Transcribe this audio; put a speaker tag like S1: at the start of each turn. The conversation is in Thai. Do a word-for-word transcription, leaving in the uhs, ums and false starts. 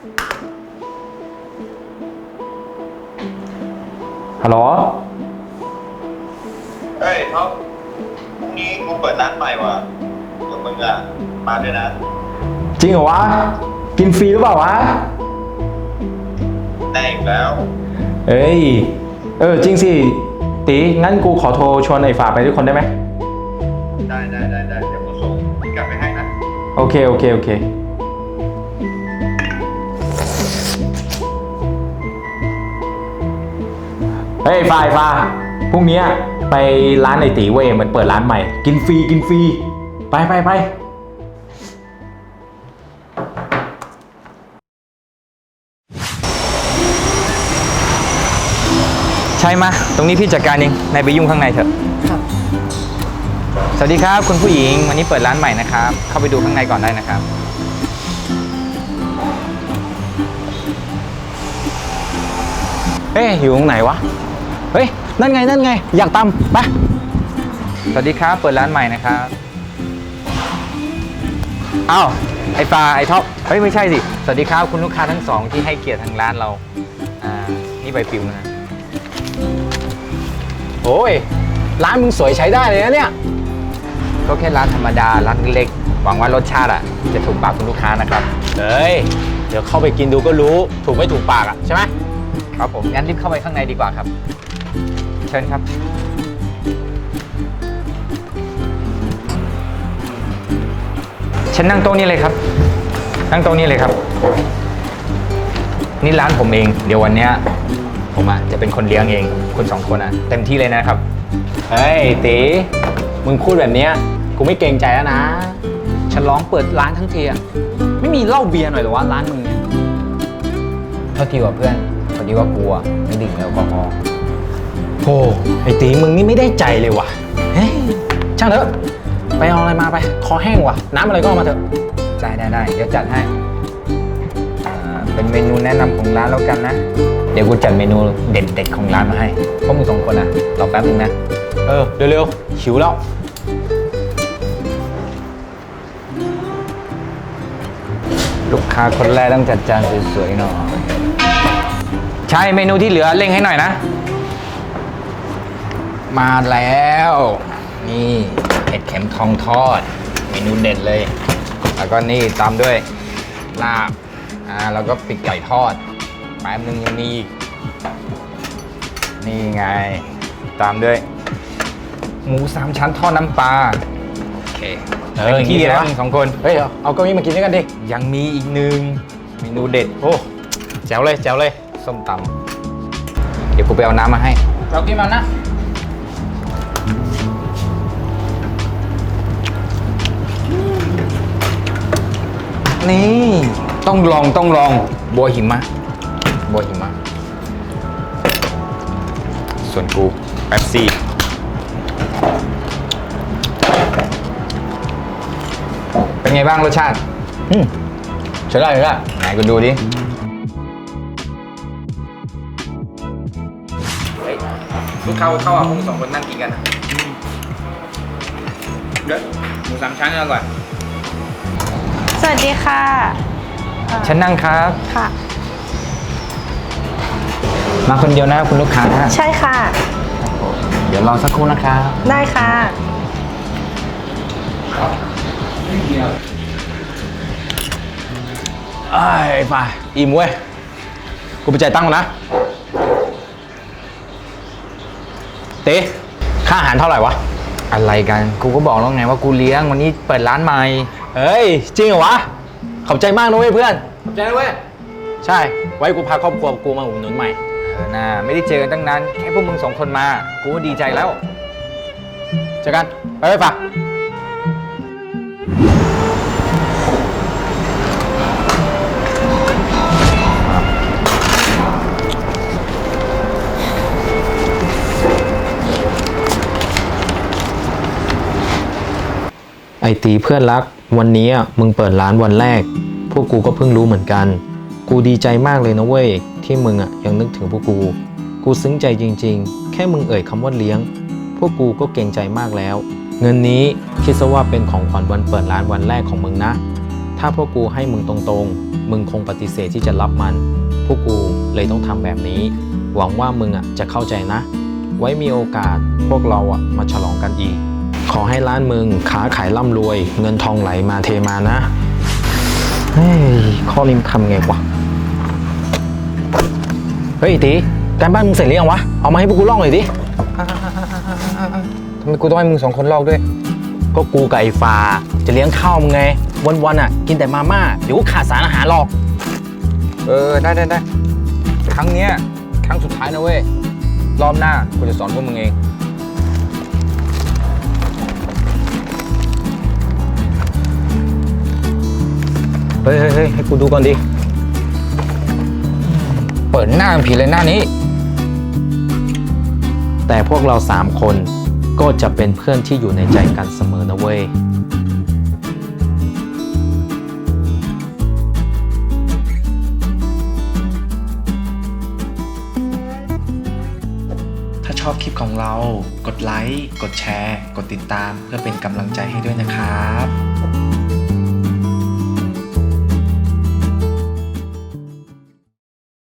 S1: ฮัลโหล
S2: เฮ้ยท็อปพรุ่งนี้กูเปิดร้านใหม่ว่ะเดี๋ยวมึงอะมาด้วยนะ
S1: จริงเหรอวะกินฟรีหรือเปล่าวะ
S2: ได้อีกแล้ว
S1: เอ้ยเออจริงสิตีงั้นกูขอโทรชวนไอ้ฝาไปด้วยคนได้ไหม
S2: ได้ได้ได้ได้เดี๋ยวกูส่งกลับไปให้นะ
S1: โอเคโอเคโอเคเฮ้ยฟ้าฟ้าพรุ่งนี้ไปร้านไอตีเว้ยมันเปิดร้านใหม่กินฟรีกินฟรีไปไปไป
S3: ใช่มาตรงนี้พี่จัดการเองนายไปยุ่งข้างในเถอะครับสวัสดีครับคุณผู้หญิงวันนี้เปิดร้านใหม่นะครับเข้าไปดูข้างในก่อนได้นะครับ
S1: เอ๊ะอยู่ตรงไหนวะเฮ้ยนั่นไงนั่นไงอยากตำไป
S3: สวัสดีครับเปิดร้านใหม่นะครับอ้าวไอ้ปลาไอ้ท็อปเฮ้ยไม่ใช่สิสวัสดีครับคุณลูกค้าทั้งสองที่ให้เกียรติทางร้านเราอ่านี่ใบปลิวนะ
S1: โอ้ยร้านมึงสวยใช้ได้เลยนะเนี่ย
S3: ก็แค่ร้านธรรมดาร้านเล็กหวังว่ารสชาติอ่ะจะถูกปากคุณลูกค้านะครับ
S1: เฮ้ยเดี๋ยวเข้าไปกินดูก็รู้ถูกไม่ถูกปากอ่ะใช่ไหม
S3: ครับผมงั้นรีบเข้าไปข้างในดีกว่าครับเชิญครับฉันนั่งโต๊ะนี้เลยครับนั่งโต๊ะนี้เลยครับนี่ร้านผมเองเดี๋ยววันเนี้ยผมอ่ะจะเป็นคนเลี้ยงเองคุณสองคนอ่ะเต็มที่เลยนะครับ
S1: เฮ้ยตีมึงพูดแบบเนี้ยกูไม่เกรงใจแล้วนะฉันร้องเปิดร้านทั้งทีอ่ะไม่มีเหล้าเบียร์หน่อยหรอวะร้านมึงเนี่ย
S3: เท่าทีว่าเพื่อนพอดีว่ากลัวไม่ดื่มแอลกอฮอล์
S1: โอ้ไอตีมึงนี่ไม่ได้ใจเลยว่ะเฮ้ยช่างเถอะไปเอาอะไรมาไปคอแห้งว่ะน้ำอะไรก็เอามาเถอะ
S3: ได้ได้ได้เดี๋ยวจัดให้เป็นเมนูแนะนำของร้านแล้วกันนะเดี๋ยวกูจัดเมนูเด็ดๆของร้านมาให้พวกมึงสองคนอ่ะรอแป๊บนึงนะ
S1: เออเร็วๆหิวแล้ว
S3: ลูกค้าคนแรกต้องจัดจานสวยๆหน่อยใช่เมนูที่เหลือเร่งให้หน่อยนะมาแล้วนี่เห็ดเข็มทองทอดเมนูเด็ดเลยแล้วก็นี่ตามด้วยลาบอ่าแล้วก็ปีกไก่ทอดแป๊บนึงยังมีอีกนี่ไงตามด้วยหมูสามชั้นทอดน้ำปลาโอเค
S1: เออขี้ดีนะ
S3: สองคน
S1: เฮ้ยเอาเก้าอี้มากินด้วยกันดิ
S3: ยังมีอีกหนึ่งเมนูเด็ด
S1: โอ้แจ๋วเลยแจ๋วเลย
S3: ส้มตำเดี๋ยวกูไปเอาน้ำมาให้
S1: เรากินมันนะ
S3: นี่ต้องลองต้องลองบัวหิมะบัวหิมะส่วนกูแป๊บซี่เป็นไงบ้างรสชาติ
S1: อืมใช้ได้เลยละ
S3: ไหนกูดูดิลูกค้าเข้าอ่ะพวกสองคนนั่งกินกันเดี๋ยวหมูสามชั้นอร่อย
S4: สวัสดีค่ะ
S3: ฉันนั่งครับ
S4: ค่ะ
S3: มาคนเดียวนะคุณลูกค้า
S4: ใช่ค่ะ
S3: เดี๋ยวรอสักครู่นะครับ
S4: ได้ค่ะ
S1: ไอ้ฝ่ายอิ่มเว้ยกูไปจ่ายตังค์ก่อนนะเต้ค่าอาหารเท่าไหร่วะ
S3: อะไรกันกูก็บอกแล้วไงว่ากูเลี้ยงวันนี้เปิดร้านใหม่
S1: เฮ้ยจริงเหรอวะขอบใจมากนะเว้ยเพื่อนขอบใจนะเว้ยใช่ไว้กูพาครอบครัวกูมาอุดหนุนใหม่
S3: เออน่าไม่ได้เจอกันตั้งนานแค่พวกมึงสองคนมากูก็ดีใจแล้ว
S1: เจอกันไปไปฝากไอตีเพื่อนรักวันนี้มึงเปิดร้านวันแรกพวกกูก็เพิ่งรู้เหมือนกันกูดีใจมากเลยนะเว้ยที่มึงอ่ะยังนึกถึงพวกกูกูซึ้งใจจริงๆแค่มึงเอ่ยคำว่าเลี้ยงพวกกูก็เกรงใจมากแล้วเงินนี้คิดซะว่าเป็นของขวัญวันเปิดร้านวันแรกของมึงนะทถ้าพวกกูให้มึงตรงๆ มึงคงปฏิเสธที่จะรับมัน พวกกูเลยต้องทำแบบนี้ หวังว่ามึงอ่ะจะเข้าใจนะ ไว้มีโอกาสพวกเราอ่ะมาฉลองกันอีก ขอให้ร้านมึงค้าขายร่ำรวย เงินทองไหลมาเทมานะ เฮ้ย ข้อนี้มันทำไงวะ เฮ้ยตีการบ้านมึงเสร็จหรือยังวะ เอามาให้พวกกูลอกหน่อยดิ
S3: ทำไมกูต้องให้มึงสองคนลอกด้วย
S1: ก็กูกับไอ้ฟ้าจะเลี้ยงข้าวมึงไง วันๆอ่ะ กินแต่มาม่า เดี๋ยวก็ขาดสารอาหารหรอก
S3: เออ ได้ได้ได้ครั้งเนี้ยครั้งสุดท้ายนะเว้ย รอบหน้ากูจะสอนพวกมึงเอง
S1: เฮ้ยเฮ้ยเฮ้ยให้กูดูก่อนดิ
S3: เปิดหน้ามันผีเลยหน้านี้
S1: แต่พวกเราสามคนก็จะเป็นเพื่อนที่อยู่ในใจกันเสมอนะเว้ย
S5: ถ้าชอบคลิปของเรา กดไลค์ กดแชร์ กดติดตามเพื่อเป็นกำลังใจให้ด้วยนะครับ